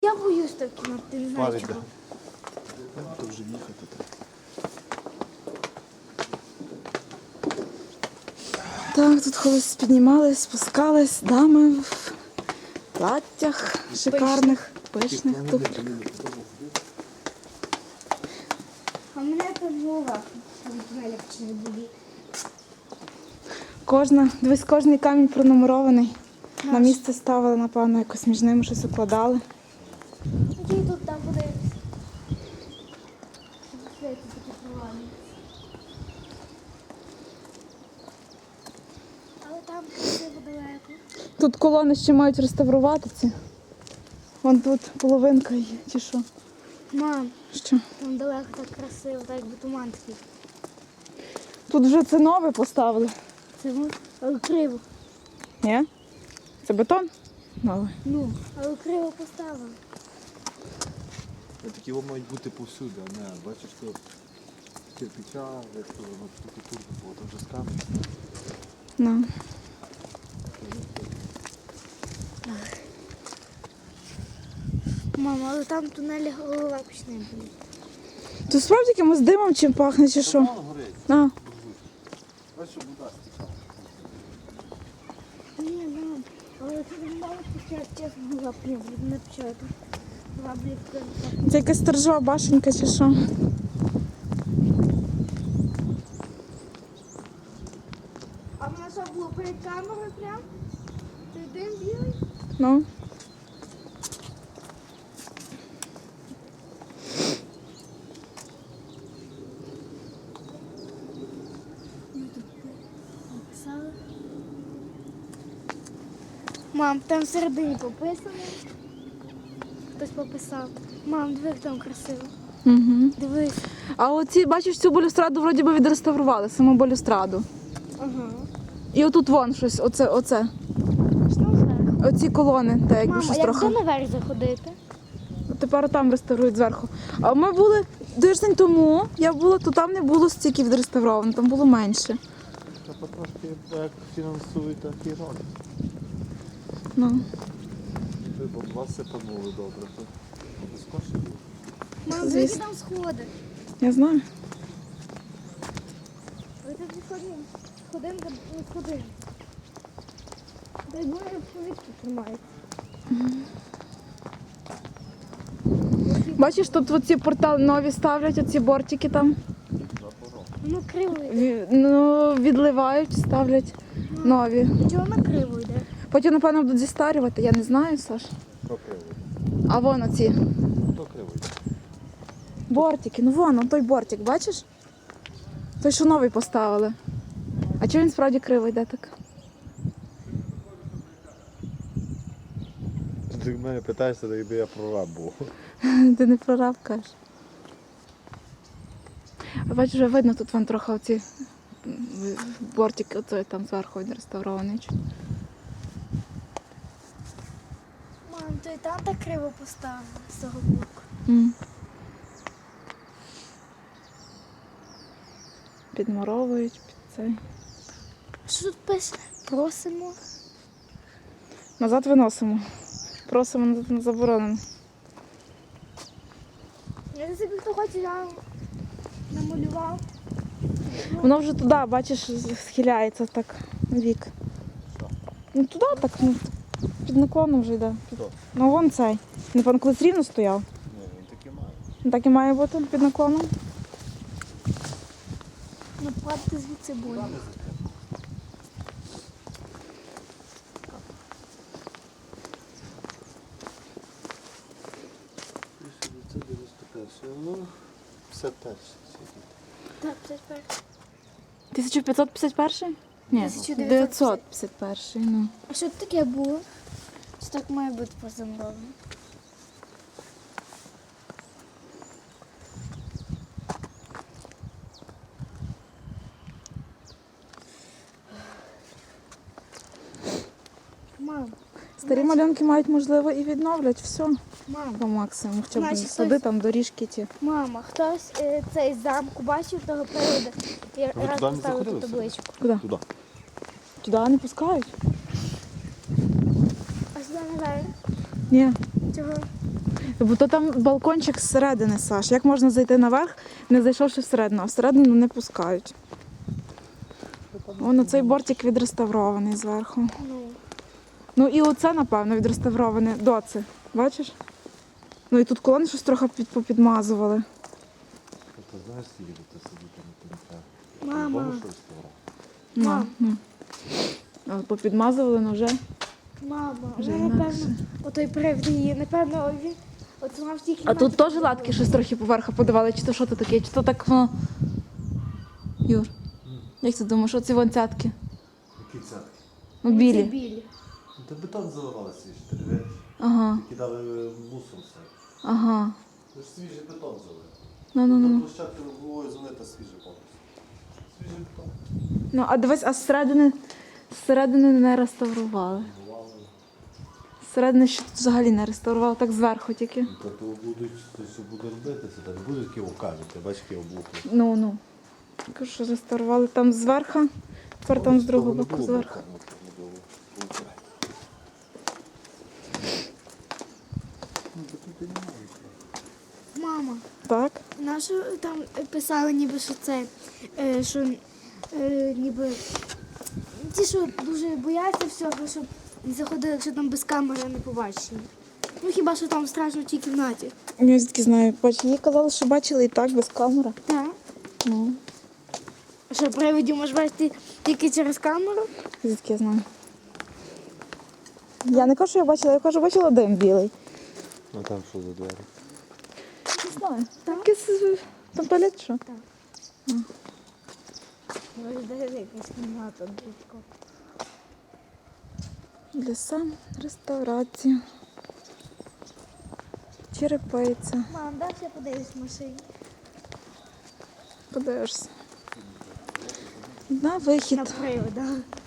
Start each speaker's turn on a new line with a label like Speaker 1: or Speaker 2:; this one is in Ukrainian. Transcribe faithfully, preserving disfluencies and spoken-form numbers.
Speaker 1: Я боюсь так кіно, ти не знаєш чого.
Speaker 2: То вже їхати так.
Speaker 3: Так, тут колись піднімались, спускались, дами в платтях шикарних, пишних. Тут
Speaker 1: А мене там голова від тунеля почне боліти.
Speaker 3: кожна, дивись, кожний камінь пронумерований. На місце ставили, напевно, якось між ними щось укладали.
Speaker 1: Тоді тут там буде. Світі такі провальні. Але там красиво далеко.
Speaker 3: Тут колони ще мають реставрувати ці. Вон тут половинка є, чи що?
Speaker 1: Мам,
Speaker 3: Що?
Speaker 1: там далеко так красиво, так якби туман такий.
Speaker 3: Тут вже це нове поставили.
Speaker 1: Це ну, але криво.
Speaker 3: Ні? Це бетон? Новий.
Speaker 1: Ну, але криво поставили.
Speaker 2: Такі вони мають бути повсюди, а не, бачиш, що кирпича, як то воно штукатурка було, там вже з камінь.
Speaker 3: Ну.
Speaker 1: Мама, але там в тунелі голова почне боліти.
Speaker 3: Тут справді якимось димом чим пахне, чи що?
Speaker 2: Воно горить.
Speaker 3: А.
Speaker 2: Бачиш, що вода стікала.
Speaker 1: Ні, мам, але це не мало почати, чесно, була прям не почати. Була блядь,
Speaker 3: Це якась сторожова башенька, чи що?
Speaker 1: А в нас що було перед камерою прям? Ти дим білий?
Speaker 3: Ну.
Speaker 1: Написали. Мам, там всередині пописано. Хтось пописав. Мам, диви, як там красиво.
Speaker 3: Угу.
Speaker 1: Дивись.
Speaker 3: А оці, бачиш, цю балюстраду вроді би відреставрували, саму балюстраду.
Speaker 1: Ага.
Speaker 3: І отут вон щось, оце, оце.
Speaker 1: Що там зверху?
Speaker 3: Оці колони, та якби
Speaker 1: Мам, а
Speaker 3: щось
Speaker 1: як
Speaker 3: трохи.
Speaker 1: де наверх заходити?
Speaker 3: Тепер там реставрують зверху. А ми були тиждень тому, я була, то там не було стільки відреставровано, там було менше.
Speaker 2: Та потрошки як фінансують, так і роблять.
Speaker 3: Ну.
Speaker 2: Ви б вас сипанули добре, то без коштів було.
Speaker 1: Мам,
Speaker 3: Звісно.
Speaker 1: які там сходи?
Speaker 3: Я знаю.
Speaker 1: Ви тут не ходимо. Ходимо, та не ходимо. Дай Боже, повітки тримають.
Speaker 3: Бачиш, тут оці портали нові ставлять, оці бортики там.
Speaker 1: Воно криво йде.
Speaker 3: Ві- Ну, відливають, ставлять нові.
Speaker 1: Чого воно криво йде?
Speaker 3: Потім, напевно, будуть зістарювати, я не знаю, Саш.
Speaker 2: Хто кривий?
Speaker 3: А вон оці
Speaker 2: Хто кривий?
Speaker 3: бортики, ну вон, он той бортик, бачиш? Той, що новий поставили. А чого він справді криво йде так?
Speaker 2: Ти в мене питаєшся, так якби я прораб був.
Speaker 3: Ти не прораб, кажеш. А бачиш, вже видно, тут вон трохи оці м, бортики, оцей там зверху він реставрований.
Speaker 1: Мам, то і там так криво поставили з того боку.
Speaker 3: М. Підмуровують під цей.
Speaker 1: Що тут пише? Просимо.
Speaker 3: Назад виносимо. Просимо назад не заборонено.
Speaker 1: Я собі хто хоче, я намалював.
Speaker 3: Воно вже туди, бачиш, схиляється так в бік. Ну туди так, ну, під наклоном вже йде.
Speaker 2: Хто?
Speaker 3: Ну вон цей. Не пан колись рівно стояв.
Speaker 2: Ні, він таки має.
Speaker 3: Ну, так і має бути під наклоном.
Speaker 1: Ну, падати звідси буде.
Speaker 2: Це дев'яносто перший, ну, п'ятдесят перший.
Speaker 1: Так, п'ятдесят перший.
Speaker 3: тисяча п'ятсот п'ятдесят перший? Ні,
Speaker 1: тисяча дев'ятсот
Speaker 3: дев'ятсот п'ятдесят перший. Ну.
Speaker 1: А що таке було? Що так має бути позамовлено? Мам,
Speaker 3: Старі малюнки мають, можливо, і відновлять все
Speaker 1: мам,
Speaker 3: по максимуму. Хоча б
Speaker 1: Значить,
Speaker 3: сади,
Speaker 1: хтось-
Speaker 3: там доріжки ті.
Speaker 1: мама, хтось е, цей замку бачив того приводу і раз
Speaker 2: туди не
Speaker 1: поставив ту
Speaker 2: заходили
Speaker 1: табличку.
Speaker 3: Куди?
Speaker 2: Туди.
Speaker 3: Туди не пускають?
Speaker 1: А сюди не знаю.
Speaker 3: Ні.
Speaker 1: Чого?
Speaker 3: Бо то там балкончик зсередини, Саш. Як можна зайти наверх, не зайшовши всередину, а всередину не пускають. Воно цей бортик відреставрований зверху.
Speaker 1: Ну,
Speaker 3: Ну і оце, напевно, відреставроване доце. Бачиш? Ну і тут колони щось трохи під, попідмазували.
Speaker 2: Ти знаєш, скільки ти сидіти на кінця?
Speaker 1: Мама.
Speaker 2: По-любому щось стало.
Speaker 3: Ну,
Speaker 1: Мам.
Speaker 3: ну. А попідмазували, ну вже.
Speaker 1: мама,
Speaker 3: Вже
Speaker 1: вже
Speaker 3: інакше.
Speaker 1: напевно, отой привід її, напевно, він от сама в тій
Speaker 3: А
Speaker 1: кімнаті
Speaker 3: тут теж
Speaker 1: побудувала.
Speaker 3: латки щось трохи поверху подавали, чи то що то таке, чи то так воно. Юр, як ти думаєш, оці вон цятки?
Speaker 2: Які цятки?
Speaker 3: Ну,
Speaker 1: Ці
Speaker 3: білі.
Speaker 1: білі.
Speaker 2: Ну, та бетон заливали свіжий, ти не видиш?
Speaker 3: Ага,
Speaker 2: Кидали мусор все.
Speaker 3: ага.
Speaker 2: Це ж свіжий бетон залив.
Speaker 3: Ну, ну,
Speaker 2: Там
Speaker 3: ну.
Speaker 2: площадка головою залита свіжий повністю. Свіжий бетон.
Speaker 3: Ну, а дивись, а зсередини, зсередини не реставрували.
Speaker 2: Бувало.
Speaker 3: Зсередини ще тут взагалі не реставрували, так зверху тільки.
Speaker 2: Ну, Та то будуть, то що буде робитися, там будуть такі окамі, ти бачиш, які облуки.
Speaker 3: Ну, ну. Кажу, що реставрували там зверху, тепер там з другого боку зверху.
Speaker 1: Мама,
Speaker 3: Так?
Speaker 1: нащо там писали ніби, що це, е, що е, ніби ті, що дуже бояться всього, щоб не заходили, якщо там без камери не побачені. Ну хіба що там страшно в тій кімнаті.
Speaker 3: Я звідки знаю, бач, їй казали, що бачили і так, без камери.
Speaker 1: Так.
Speaker 3: Ну,
Speaker 1: А що, привидів можеш бачити тільки через камеру?
Speaker 3: звідки я знаю. Я не кажу, що я бачила, я кажу, бачила дим білий.
Speaker 2: А там що за двері?
Speaker 3: Не знаю. Там якийсь там туалет, що?
Speaker 1: Виглядає якась кімната дитко.
Speaker 3: Ліса, реставрація. Черепиця.
Speaker 1: Мам, дай я подивлюсь в машині.
Speaker 3: Подивишся. На вихід.
Speaker 1: На привида.